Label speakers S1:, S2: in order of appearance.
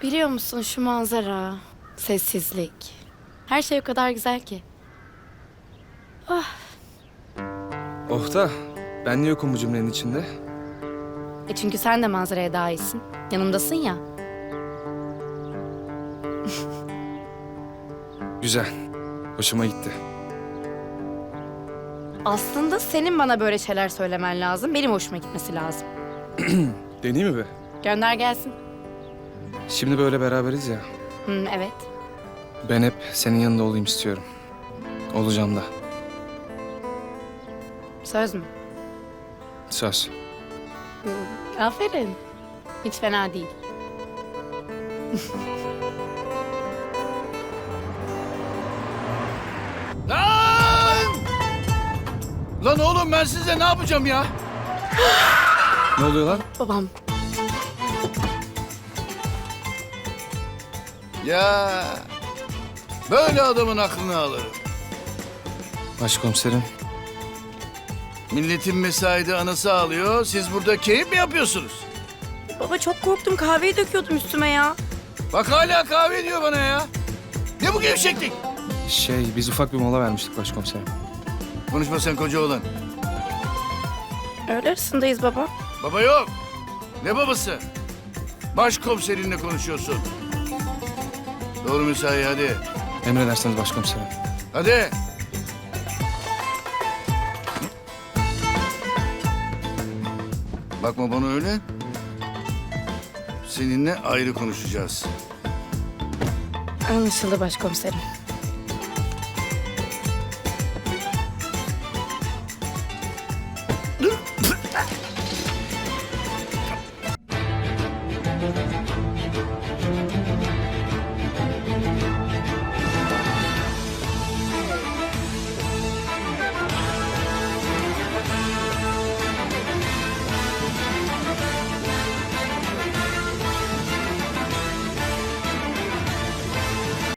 S1: Biliyor musun şu manzara, sessizlik. Her şey o kadar güzel ki.
S2: Oh da ben niye yokum bu cümlenin içinde?
S1: Çünkü sen de manzaraya dahilsin. Yanımdasın ya.
S2: Güzel. Hoşuma gitti.
S1: Aslında senin bana böyle şeyler söylemen lazım. Benim hoşuma gitmesi lazım.
S2: Deneyeyim mi be?
S1: Gönder gelsin.
S2: Şimdi böyle beraberiz ya.
S1: Evet.
S2: Ben hep senin yanında olayım istiyorum. Olacağım da.
S1: Söz mü?
S2: Söz.
S1: Aferin. Hiç fena değil.
S3: Lan! Lan oğlum ben size ne yapacağım ya?
S2: Ne oluyor lan?
S1: Babam.
S3: Ya böyle adamın aklını alırım.
S2: Başkomiserim.
S3: Milletin mesaide anası ağlıyor. Siz burada keyif mi yapıyorsunuz?
S1: Baba çok korktum. Kahveyi döküyordum üstüme ya.
S3: Bak hala kahve diyor bana ya. Ne bu gevşeklik?
S2: Biz ufak bir mola vermiştik başkomiserim.
S3: Konuşma sen koca oğlan.
S1: Öğle arasındayız baba.
S3: Baba yok. Ne babası? Başkomiserinle konuşuyorsun. Doğru mesai hadi.
S2: Emredersiniz başkomiserim.
S3: Hadi. Bakma bana öyle. Seninle ayrı konuşacağız.
S1: Anlaşıldı başkomiserim.